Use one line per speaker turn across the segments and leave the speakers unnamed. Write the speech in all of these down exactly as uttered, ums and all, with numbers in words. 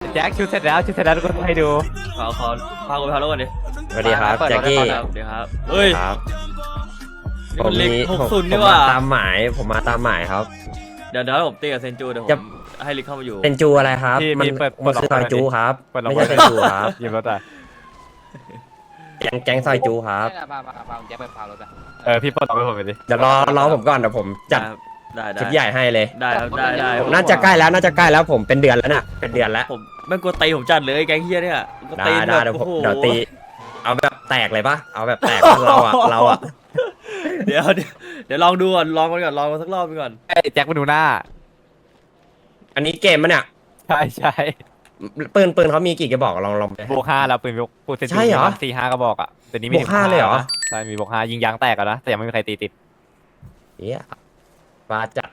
แจ็คชุดเสร็จแล้วชุดเสร็จแล้วทุกคนให้ดู
ขอขอพากูไปพาลูกก่อนดิ
สวัสดีครับแจ็คกี้
สวัสดีครับเฮ้ย
ครับ
นี่มันเล็กหก
ผม
ศูนย์
ผ
นี่
ม
หว่า
มาตามหมายผมมาตามหมายครับ
เดี๋ยวเดี๋ยวผมตีกับเซนจูเดี๋ยวผ
จะ
มให้ลิกเข้ามาอยู่
เป็นจูอะไรครับ
พี่
มัน
พี่เปิด
มันคือ
เปิ
ซ
ด
อยจูครับ
เปิดลง
ไม่
ไป
ใช่เป็นจูครับ
ยืมรถอ่ะ
แก๊งแก๊งซอยจูครับ
พาพาพาแจ็คไปพารถอะ
เออพี่เปิดล็อกให้ผมไปดิ
เดี๋ยวรอรอผมก่อนเดี๋ยวผมจัด
ได้ได้
ชุดใหญ่ให้เลย
ได้ครับได้ได้
ผมน่าจะใกล้แล้วน่าจะใกล้แล้วผมเป็นเดือนแล้วน่ะเป็นเดือนแล้ว
ผมไม่กลัวตีผมจัดเลยแก๊งเฮียเนี่ยก็
ได้
ตี
ได้
แบบ
เดี๋ยวผม
โอ้โห
เดี๋ยวตีเอาแบบแตกเลยปะเอาแบบแตกปะเราอะเราอะ
เดี๋ยวเดี๋ยวเดี๋ยวลองดูก่อนลองมันก่อนลองมันสักรอบไปก่อน
ไอ้แจ็คมาดูหน้า
อันนี้เกมมันเนี่ย
ใช่ใช่
ปืนปืนเขามีกี่กระบอกลองลองไป
บวกห้าแล้วปืนบวกปืนเซน
ใช่เหรอ
สี่ห้ากระบอกอ่ะแต่นี้มี
บวกห้าเลยเหรอ
ใช่มีบวกห้ายิงยางแตกอะนะแต่ยังไม่มีใครตีติด
เฮียปลาจัด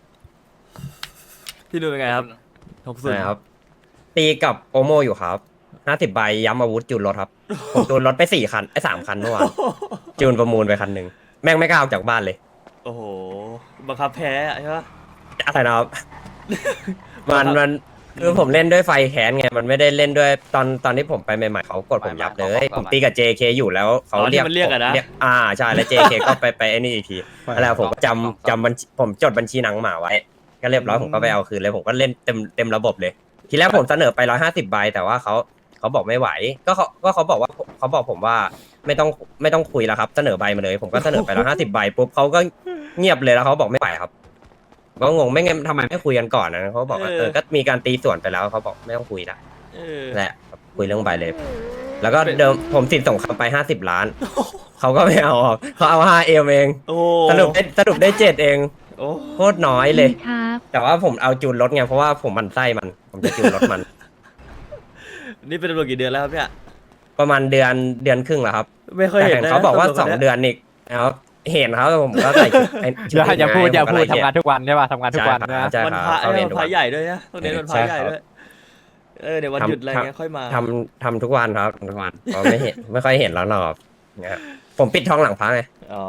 พี่ดูเป็นไงครับหกศูนย์
นะครับตีกับโอโมอยู่ครับห้าสิบใบย้ำอาวุธจูนรถครับ ผมจูนรถไปสี่คันไอ้สามคันเมื่อวานจูนประมูลไปคันหนึ่งแม่งไม่กล้าออกจากบ้านเลย
โอ้โหบังคับแพ้อะใช่ปะ
อะไรนะครับ มันมันคือผมเล่นด้วยไฟแค้นไงมันไม่ได้เล่นด้วยตอนตอนที่ผมไปใหม่ๆเขากดผมยับเลยผมตีกับ เจ เค อยู่แล้วเขาเรียก
มันเรียกอะนะ
เรียกอ่าใช่แล้ว เจ เค ก็ไปไปไอ้นี่อีกทีแล้วผมก็จำจำบัญชีผมจดบัญชีหนังหมาไว้ ก็เรียบร้อยผมก็ไปเอาคืนเลยผมก็เล่นเต็มเต็มระบบเลย ทีแรกผมเสนอไปร้อยห้าสิบใบแต่ว่าเขาเขาบอกไม่ไหว ก็เขาก็เขาบอกว่าเขาบอกผมว่าไม่ต้องไม่ต้องคุยแล้วครับ เสนอใบมาเลย ผมก็เสนอไปร้อยห้าสิบใบปุ๊บเขาก็เงียบเลยแล้วเขาบอกไม่ไหวครับก็งงไม่งั้นทำไมไม่คุยกันก่อนนะเขาบอกว่าเออก็มีการตีส่วนไปแล้วเขาบอกไม่ต้องคุยละ
เออ
แหละคุยเรื่องใบเลย แล้วก็เดิมผมสินส่งคำไปห้าสิบล้านเขาก็ไม่เอาออกเขาเอาห้าเอมเอง
โอ้
สรุปได้สรุปได้เจ็ดเอง
โอ้
โคตรน้อยเลย
ครับ
แต่ว่าผมเอาจูนรถไงเพราะว่าผมมันไส้มัน ผมจะจูนรถมัน
นี่เป็นตำรวจกี่เดือนแล้วครับเนี่ย
ประมาณเดือนเดือนครึ่งแล้วครับ
ไม่เคย
แต่
เห็น
เห็น
นะ
เขาบอกว่า
ตำรจ
สอง
คย
เดือนอีกนะครับเห็นเขาแต่ผมก็ใส่ชุดไอ้ชุ
อย่าอย่าพูดอย่าพูด
ผมก็
ทำงานทุกวันใช่ป่ะทำงานทุกวันนะ
ใช่
วัน
ค
พ
รั
ระ
บเขา
เอ้
เรี
ย
ยน
วัน
ทุก
พ
วั
ระ
น
ใหญ่ด้วยนะต้องเน้นวันพระใหญ่ด้วยเออเดี๋ยววันหยุดอะไรเงี้ยค่อยมา
ทำทำทุกวันครับทุกวันเพราะไม่เห็นไม่ค่อยเห็นแล้วหรอกเนี่ยผมปิดท้องหลังพระไง
อ๋อ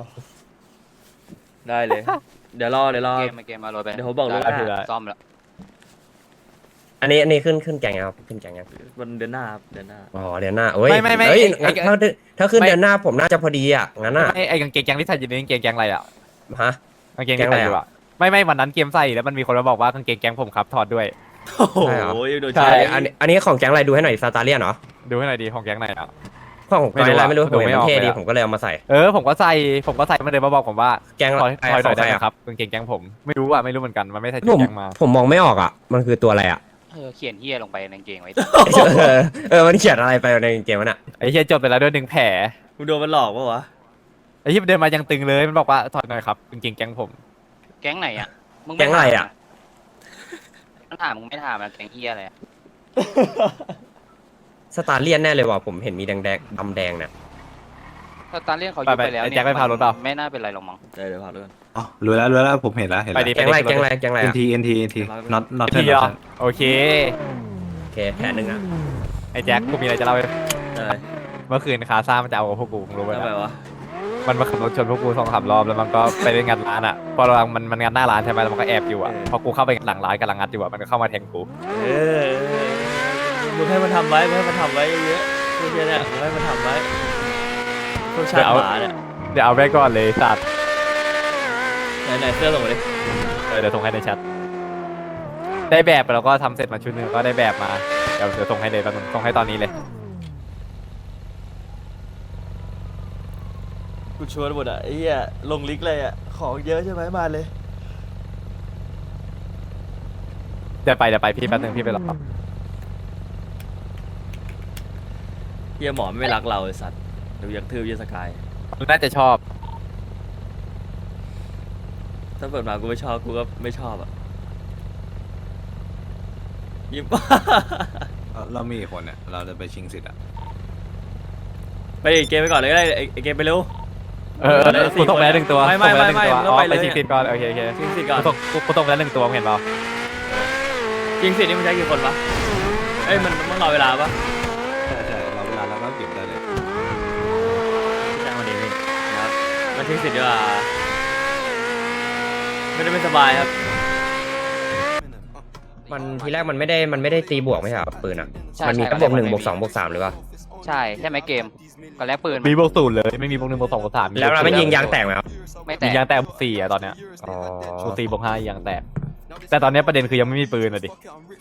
ได้เลย เดี๋ยวรอเดี๋ยวรอ
เกมมาเกมมารถไป
เดี๋ยวผมบอกล่วงหน้า
ซ่อมแล้ว
อันนี้อันนี้ขึ้นขึ้นแกงครับขึ้นแกงยัง
วันเดือนหน้าครับเดือนหน้า
อ๋อเดือนหน้าโอ้ย
ไม่ไม่ไม่
เอ้ย
ไอ้
งั้นถ้าถ้าขึ้นเดือนหน้าผมน่าจะพอดีอ่ะงั้นอ่ะ
ไอ้ไอ้กางเกงแกงที่ใส่อยู่ในกางเกงแกงอะไรอ่ะ
ฮะ
กางเกงที่ใส่อยู่อ่ะไม่ไม่วันนั้นเกมใส่แล้วมันมีคนมาบอกว่ากางเกงแกงผมครับถอดด้วย
โอ้โห
ใช่เหรอ
โดน
ใช่
ใช้
อันนี้อันนี้ของแกงอะไรดูให้หน่อยซาตาเลียนเหรอ
ดูให้หน่อยดีของแกงไหนอ่ะ
ของแกงอะไรไม่รู้
ดู
ผม
ไม่
เห็น
อ
มั
อก
นเท่ดี
เลยอะ
ผมก็เลยเอามาใส่
เออผมก็ใส่ผมก็ใส่มันเลยมาบอกผมว่า
แกง
ถอยถอยหน่อย
ขงใค
ได้ไหม
อะ
ครับกางเกงแกงผมไม่รู้อ่ะไม่รู้เหมือนกันมันไม่ใส่
ผม
แกงมา
ผมมองไม่ออกอ่ะ มันคือตัวอะไรอ่ะ
เออเขียนเฮียลงไปในกางเกงไว้
เออเออ มันเขียนอะไรไปในเกมมันอ่ะ
ไอ้เฮียจบไปแล้วด้วยหนึ่งแผล
มึงโดนมันหลอกปะวะ
ไอ้เฮียเดินมายังตึงเลยมันบอกว่าถอดหน่อยครับกางเกงแกงผม
แก๊งไหนอ่ะมึง
แก๊งอะไรอะ
ต้องถามมึงไม่ถามอะแก๊งเฮียอะไรอะ
สตาร์เลียนแน่เลยว่ะ ผมเห็นมีแดงแดงดำแดงเนี่ย
ถ้าตอนเรียกเขายุบไปแล้วเนี่ยไม่น่าเป็นไรหรอกมั้ง
เดี๋ยวเดี๋ยวพาด้วย
อ๋อรู้แล้วรู้แล้วผมเห็นแล้วเห็น
ไป
แล้ว
ดิ
แกงอะไรแกงอะไรแกงอะไร
เอ็น
อ่ะ
ทีเอ็นทีเอ็นที not not
พี่
not
อ่ะโอเค
โอเคแผลหนึ่งอ่ะ
ไอ้แจ็คกูมีอะไรจะเล่าให้
อะไร
เมื่อคืนคาซ่ามันจะเอากับพวกกูมึงรู้ไหม
ทำไม
นะ
วะ
มันมาขับรถชนพวกกูสองสามรอบแล้วมันก็ไปเล่นงานร้านอ่ะพอเรามันมันงานหน้าร้านใช่ไหมแล้วมันก็แอบอยู่อ่ะพอกูเข้าไปหลังร้านกำลังงัดอยู่อ่ะมันก็เข้ามาแทงกู
เออมึงให้มันทำไว้มึงให้มันทำไว้เยอะๆพวกเนี้ยเนี่ยมึงให้มันทำไว้พวกชาติหมาเนี่ย
เดี๋ยวเอาไว้ก่อนเลยสัตว์
ไหนไหนเสื้อส่งมาดิ
เออเดี๋ยวส่งให้ในแชทได้แบบแล้วก็ทำเสร็จมาชุดหนึงก็ได้แบบมาเดี๋ยวเดี๋ยวส่งให้เลยแป๊บนึงส่งให้ตอนนี้เลย
กูชวนหมดอ่ะไอ้เหี้ยลงลิกเลยอ่ะของเยอะใช่ไหมมาเลย
เดี๋ยวไปเดี๋ยวไปพี่แป๊บนึงพี่ไปรอ
เฮียหมอไม่รักเราไอ้สัตว์เดี๋ยวยังทืบเฮียสกาย
น่าจะชอบ
ถ้าเปิดมากูไม่ชอบกูก็ไม่ชอบอ่ะยิ้ม
เราเรามีกี่คนเนี่ยเราจะไปชิงสิทธิ์อ่ะ
ไปเกมไปก่อนเลยก็ได้ไอ้ไอ้เกมไปเร็ว
เออเออกูส่งไปแล้วหนึ่งตัว
ไม่ไม่
ส่งปแล้วหนึ่ง
ไม่
ตัว
ไม่
อ๋อ
ไม่
ไป
เลย
ชิงติดก่อนโอเคโอเค
ชิงสิทธิ์ก่อน
กูส่งกูกูส่งไปแล้วหนึ่งตัวมึงเห็นเปล่า
จริงสินี่มันใช้กี่คนวะเอ้ยมันมันรอเวลาปะ
ใช่ใช่เราเวลาเราก็เก็บได้เลย
จ้างวันนี้นี่นะครับมันชิงสิทธิ์ดีกว่าไม่ได้ไม่สบายครับ
มันทีแรกมันไม่ได้มันไม่ได้ตีบวกไม่ใช่เหรอปืนอ่ะ
ใช่
มันมี
ใช่
แค่บวกหนึ่ง
ไม่มี
บวกสองบวกสามหรือเปล่า
ใช่ใช่ไหมเกมก็แลกปืน
มีบวกศูนย์เลยไม่มีบวกหนึ่งบวกสองบวกสาม
แล้วเราไม่ยิงยางแตกไหมครับ
ไม่แต
ยิ
ก
งยางแตกบวกสี่อะตอนเนี้ย
อ๋อบ
วกสี่บวกห้ายางแตกแต่ตอนเนี้ยประเด็นคือยังไม่มีปืนอะดิ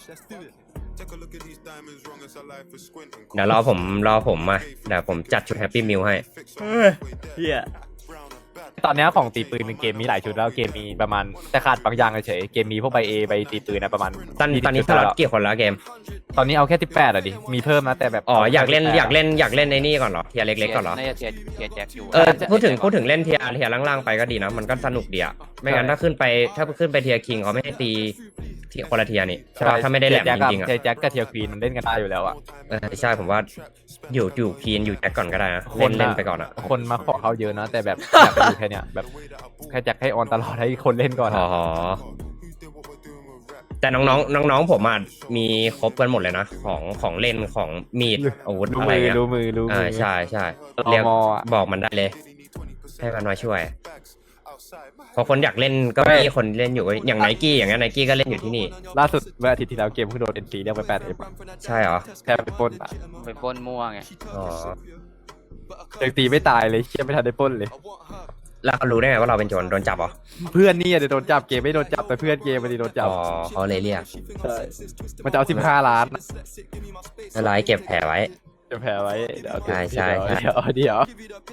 เดี๋ยวรอผมรอผมมาเดี๋ยวผมจัดชุดแฮปปี้มิลให้
เฮ้ยเฮีย
ตอนเนี้ยของตีปืนเป็นเกมมีหลายชุดแล้วเกมมีประมาณแต่ขาดบางอย่างเฉยเกมมีพวกใบเอใบตีปืนนะประมาณ
ตอนตอนนี้สล็อตกี่คนแล้วเกม
ตอนนี้เอาแค่สิบแปดอะดิมีเพิ่มนะแต่แบบ
อ๋ออยากเล่นอยากเล่นอยากเล่นในนี่ก่อนเหรอเทียร์เล็กๆก่อนเหรอ
น่าจะเทียร์เทียร์แจ็คอยู่
เออพูดถึงพูดถึงเล่นเทียร์เทียร์ล่างๆไปก็ดีนะมันก็สนุกดีอะไม่งั้นถ้าขึ้นไปถ้าขึ้นไปเทียร์คิงเขาไม่ให้ตีที่คนละเทียร์นี่ใช่ป่ะถ้าไม่ได้แหลมจริงๆอะ
เทียแจ็คกับเทียควีนมันเล่นกันได้อยู่แล้วอะ
เออใช่ผมว่าอยู่อยู่คีนอยู่แจ็คก่อนก็ได้นะ
ค
เล่
น
น
อะ
เล่นไปก่อนอะ
คนมาขอเขาเยอะนะแต่แบบอยากไปอยู่แค่เนี้ยแบบแค่แจ็คให้ออนตลอดให้คนเล่นก่อน
อ๋
อะ
อแต่น้องๆน้องๆผมอ่ะมีครบกันหมดเลยนะของของเล่นของมีดอาวุธ
รู้
อะไร
มือ
เงี้ย
รู้มือรู้มื
อ่า
อ
ใช่ใช่
ตม
เรียก
อะ
บอกมันได้เลย ให้มันมาช่วยเพอคนอยากเล่นก็มีคนเล่นอยู่อย่างไนกี้อย่างเงี้ยไนกี้ก็เล่นอยู่ที่นี่
ล่าสุดเมื่ออาทิตย์ที่แล้วเกมเพิ่งโดนเอ็นซีเรียกไปแปดเอ็ม
ใช่เหรอ
แค่ไปปล้นอะ
ไปปล้นมั่วไง
อ๋อ
ยังตีไม่ตายเลยเชี่ยไม่ทันได้ปล้นเลย
แล้วเขารู้ได้ไงว่าเราเป็นโจรโดนจับเหรอ
เพื่อนนี่อะเดี๋ยวโดนจับเกมไม่โดนจับแต่เพื่อนเกมมันโดนจับ
อ๋อเขาเลยเรียก
ใช่มันจะเอาสิบห้าล้าน
อะไรเก็บแผลไว้
จะแพ้ไว้เดี๋ยว
ใช่ใช่ใช่
เดี๋ยวเดี๋ยว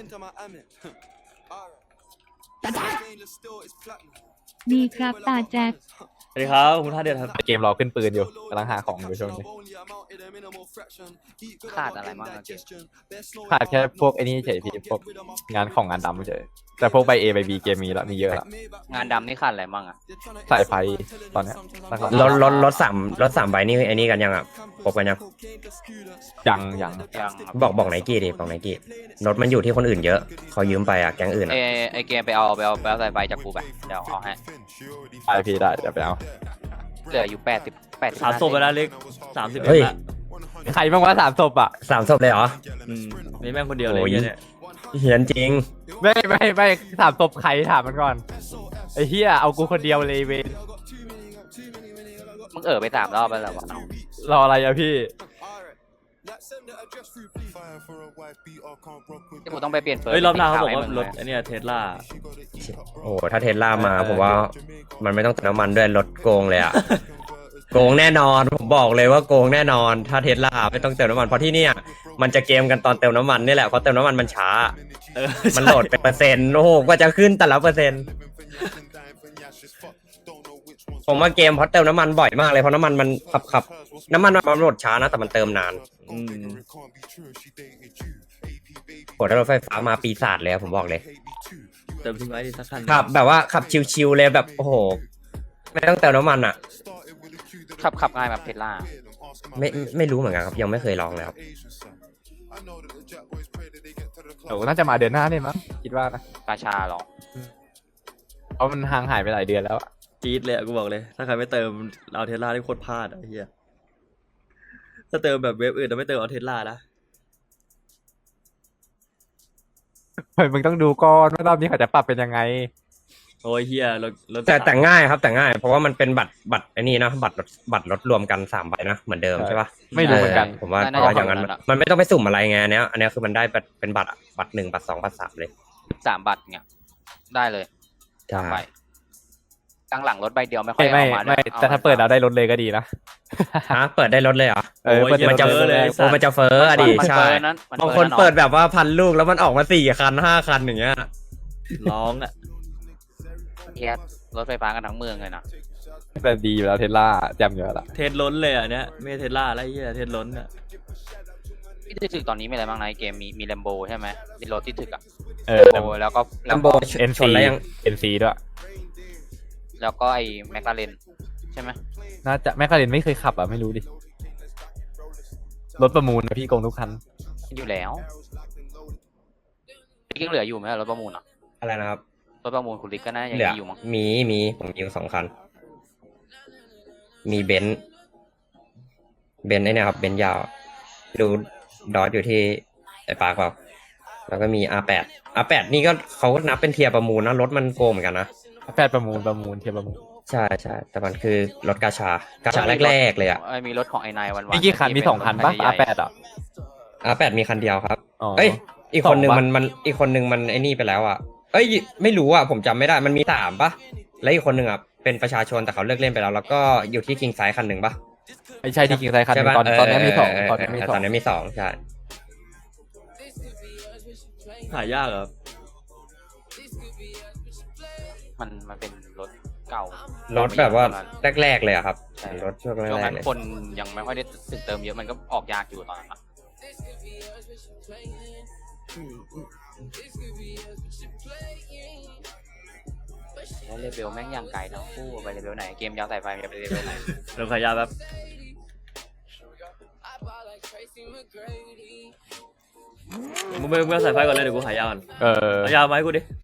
ดีครับตาแจ็ค
สวัสดีครับคุณท่าเดือดครับ
เกมรอขึ้นปืนอยู่กำลังหาของอยู่ช่วงนี้
ขาดอะไรบ้างอะเกม
ขาดแค่พวกไอ้นี่เฉยพี่พวกงานของงานดำเฉยแต่พวกใบเอใบบีเกมมีแล้วมีเยอะแล้ว
งานดำนี่ขาดอะไรบ้างอะ
สายไฟตอนเนี้ยหลัก
รถรถรถสามรถสามใบนี่ไอ้นี่กันยังอ่ะครบกันยัง
ๆยังยัง
ยังครับ
บอกบอกไนกี้ดิบอกไนกี้รถมันอยู่ที่คนอื่นเยอะเขายืมไปอ่ะแก๊งอื่น
เอ
อ่ะ
ไอเกมไปเอาไปเอาไปเอาใส่ใบจากกูไปเดี๋ยวเอาให้
ได้พี่ได้เดี๋ยวไปเอา
เหลืออยู่แปดสิบแปดสิบ
สามศพไปแล้วเล็กสามสิบเอ็ด
เฮ้ย
ละ
ใครบ้างวะสามศพอ่ะ
สามศพเลยเหรอ
อืมมีแม่งคนเดียวเลย
โอ้ย
เหี้ยเนี่ย
เหียนจริง
ไม่ไม่ไม่สามศพใครถามมันก่อนไอ้เฮียเอากูคนเดียวเลยเวน
มึงเออไปสามรอบไปแล้ววะน้อง
รออะไรอะพี่
ที่กูต้องไปเปลี่ยนเฟิร์
เฮ้ยรอบหน้าเขาบอก
ให้
ว่าง รถ
ไหม
ไอ้เนี่ยเทสลา
โอ้ถ้าเทสลามาผมว่ามันไม่ต้องเติมน้ำมันด้วยรถโกงเลยอ่ะ โกงแน่นอนผมบอกเลยว่าโกงแน่นอน ถ้าเทสลาไม่ต้องเติมน้ำมันเพราะที่เนี่ยมันจะเกมกันตอนเติมน้ำมันนี่แหละเพราะเติมน้ำมันมันช้า
เออ
มันโหลดเป็นเปอร์เซ็นต์โอ้โหกว่าจะขึ้นแต่ละเปอร์เซ็นต์ผมว่าเกมเพราะเติมน้ำมันบ่อยมากเลยเพราะน้ำมันมันขับขับน้ำมันมันโหลดช้านะแต่มันเติมนาน
อืม
โหถ้ารถไฟฟ้ามาปีศาจเลยอะผมบอกเลย
เติมทิ้งไว้ดิสักคัน
ขับแบบว่าขับชิวๆเลยแบบโอ้โหไม่ต้องเติมน้ำมันอ่ะ
ขับขับง่ายแบบเทสลา
ไม่ไม่รู้เหมือนกันครับยังไม่เคยลองเลยครับ
เดี๋ยวน่าจะมาเดือนหน้าเนี่ยมั้งคิดว่านะ
กาชาหรอ
เพราะมันห่างหายไปหลายเดือนแล้วอะ
จี๊ดเลยอะกูบอกเลย ถ้าใครไม่เติมเอาเทสลาที่โคตรพลาดอะไอ้เฮียถ้าเติมแบบเว็บอื่นแต่ไม่เติมเอาเทสลานะ
เฮ้ยมึงต้องดูก่อนว่ารอบนี้เขาจะปรับเป็นยังไง
โอ้ยเฮียรถรถ
แต่แต่ง่ายครับแต่ง่ายเพราะว่ามันเป็นบัตรบัตรไอ้นี่นะบัตรรถบัตรรถรวมกันสามใบนะเหมือนเดิม
ใช่
ใช่ปะ
ไม่รู้เหมือนกัน
ผมว่าเพราะว่าอย่างนั้นมันไม่ต้องไปสุ่มอะไรไงอันเนี้ยอันเนี้ยคือมันได้บัตรเป็นบัตรอะบัตรหนึ่งบัตรสองบัตรสามเลย
สามบัตรเนี่ยได้เลย
ใช่
ใบกลางหลังรถใบเดียวไม่ค่อ
ไม่
ย
ไม่
เอามา
ไม่
ด้วย
แต่ถ้าเปิดเราได้รถเลยก็ดีนะ
ฮะเปิดได้รถเลยเหรอ
เออ
โอ้ย
เปิด
เหี้ย
มันจะ
เฟ้อเลย
โอ้มันจะเฟ้ออะดิ
มัน
ใช่
เปิดนั้นมัน
บางคน
นั้น
เปิดแบบว่าพันลูกแล้วมันออกมาสี่คันห้าคันอย่างเงี้ย
ร้องอะ
เฮียรถไฟฟ้ากันทั้งเมืองเลยนะ
แต่ดีอยู่แล้วเทสลาแจ่มเยอะละ
เทสล้นเลยอะเนี้ยไม่ใช่เทสลาแล้วไอ้เฮียเทสล้นอะ
ที่ถึกตอนนี้มีอะไรบ้างนะไอ้เกมมีมีแลมโบใช่ไหมมีรถที่ถึกอะ
เออ
โบแล้วก็
ลั
แล้ว
มโบ
ก็
เอ็น
ช
ซี
นแล้วยัง
เอ็นซีด้วย
แล้วก็ไอ้แมคลาเรนใช่ไหม
น่าจะแม่คาเรนไม่เคยขับอ่ะไม่รู้ดิรถประมูลนะพี่โกงทุกคัน
อยู่แล้วยังเหลืออยู่ไหมรถประมูลอ่ะ
อะไรนะครับ
รถประมูลคุณลิกก็น่ายัง
เหลือ
มีอยู่มั้ง
มีมีผมมีอยู่สองคัน มีเบนซ์เบนซ์ไอ้เนี่ยครับเบนซ์ยาวดูดอทอยู่ที่ไอ้ปาร์คเปล่าแล้วก็มี อาร์ แปด อาร์ แปด นี่ก็เขาก็นับเป็นเทียร์ประมูลนะรถมันโกงเหมือนกันนะ
แปดประมูลประมูลเทียบประมูล
ใช่ใช่แต่มันคือรถกาชากาชาแรกๆเลยอ่ะ
เอ้ยมีรถของไอ้นายวันวัน
มีกี่คันมีสองคันปะอาแปดอ่ะ
อาแปดมีคันเดียวครับ
อ๋อ
เอ้ยอีกคนหนึ่ง
สองปะ
มันมันอีกคนหนึ่งมันไอ้นี่ไปแล้วอ่ะเอ้ยไม่รู้อ่ะผมจำไม่ได้มันมีสามปะแล้วอีกคนหนึ่งอ่ะเป็นประชาชนแต่เขาเลิกเล่นไปแล้ว แล้วก็อยู่ที่คิงไซคันหนึ่งปะ
ไม่ใช่ที่กิงไซคันห
ใช่
นึ่ง
ปะ
ตอนตอนนี้มีสอง
เ
ตอนนี้มีส
ต
อ
อง นนี้มีสองใช่
หายากเหรอครับ
มันมันเป็นรถเก่าร
ถแบบว่าแรกๆเลยอะครับ
ใช่
รถช่วงแร
ช่วง
ก
นั้
ๆ
น
เลย
คนยังไม่ค่อยได้ตึกเติมเยอะมันก็ออกยากอยู่ตอนนั้นอะแล้วเลเวลแม่งยังไกลทั้งคู่ไปเลเวลไหนเกมยาวใส่ไฟมันจะไปเลเวลไหน
เริ่มขายยาแบบมึงไม่มึงไม่เอาสายไฟก่อนเลยเดี๋ยวกูขายยาก่อน
เออ
เอายามาให้กูดิ